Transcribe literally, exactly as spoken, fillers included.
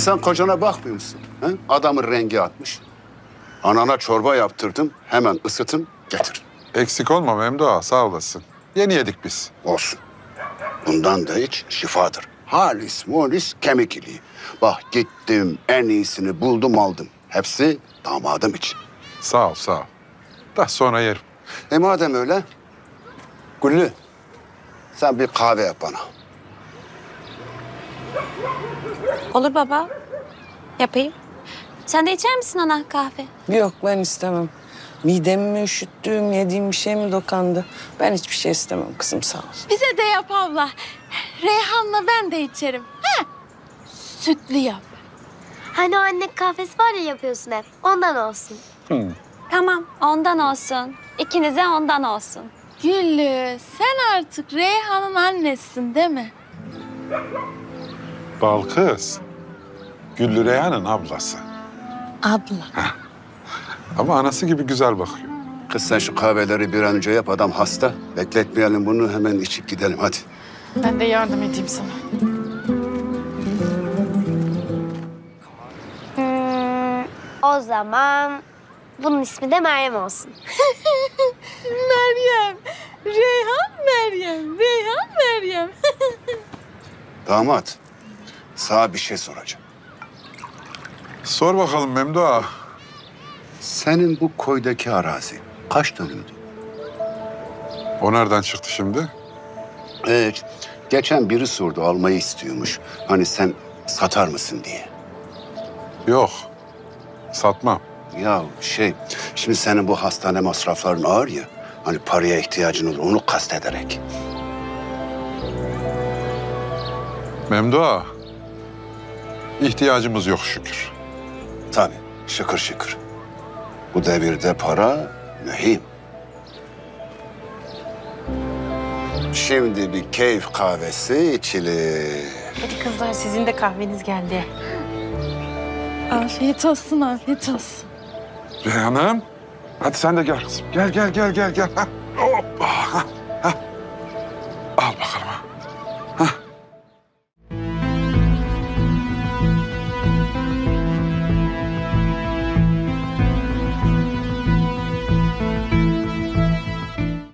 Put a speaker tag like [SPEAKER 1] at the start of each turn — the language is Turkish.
[SPEAKER 1] Sen kocana bakmıyor musun? He? Adamın rengi atmış. Anana çorba yaptırdım. Hemen ısıtın getir.
[SPEAKER 2] Eksik olma Memduha, sağ olasın. Yeni yedik biz.
[SPEAKER 1] Olsun. Bundan da hiç şifadır. Halis mulis kemik iliği. Bak gittim en iyisini buldum aldım. Hepsi damadım için.
[SPEAKER 2] Sağ ol, sağ ol. Da sonra yerim.
[SPEAKER 1] E madem öyle, Güllü sen bir kahve yap bana.
[SPEAKER 3] Olur baba. Yapayım. Sen de içer misin ana kahve?
[SPEAKER 4] Yok ben istemem. Midemi mi üşüttüm, yediğim bir şey mi dokandı? Ben hiçbir şey istemem kızım sağ ol.
[SPEAKER 5] Bize de yap abla. Reyhan'la ben de içerim. Ha? Sütlü yap.
[SPEAKER 6] Hani o anne kahvesi var ya yapıyorsun hep. Ondan olsun.
[SPEAKER 3] Tamam, ondan olsun. İkinize ondan olsun.
[SPEAKER 5] Güllü, sen artık Reyhan'ın annesisin değil mi?
[SPEAKER 2] Bal kız. Güllü Reyhan'ın ablası.
[SPEAKER 5] Abla.
[SPEAKER 2] Ama anası gibi güzel bakıyor.
[SPEAKER 1] Kız sen şu kahveleri bir an önce yap, adam hasta. Bekletmeyelim bunu, hemen içip gidelim hadi.
[SPEAKER 5] Ben de yardım edeyim sana.
[SPEAKER 6] Hmm, o zaman bunun ismi de Meryem olsun.
[SPEAKER 5] Meryem. Reyhan Meryem. Reyhan Meryem.
[SPEAKER 1] Damat, sana bir şey soracağım.
[SPEAKER 2] Sor bakalım Memduha.
[SPEAKER 1] Senin bu koydaki arazi kaç dönümdü?
[SPEAKER 2] O nereden çıktı şimdi?
[SPEAKER 1] Evet, geçen biri sordu, almayı istiyormuş. Hani sen satar mısın diye.
[SPEAKER 2] Yok. Satmam.
[SPEAKER 1] Ya şey, şimdi senin bu hastane masrafların ağır ya. Hani paraya ihtiyacın olur, onu kastederek.
[SPEAKER 2] Memduha. İhtiyacımız yok şükür.
[SPEAKER 1] Tabii, şıkır şıkır. Bu devirde para mühim. Şimdi bir keyif kahvesi içilir.
[SPEAKER 7] Hadi kızlar sizin de kahveniz geldi.
[SPEAKER 5] Afiyet olsun, afiyet olsun.
[SPEAKER 2] Reyhan'ım. Hadi sen de gel kızım. Gel, gel, gel, gel, gel. Ha. Hoppa. Ha.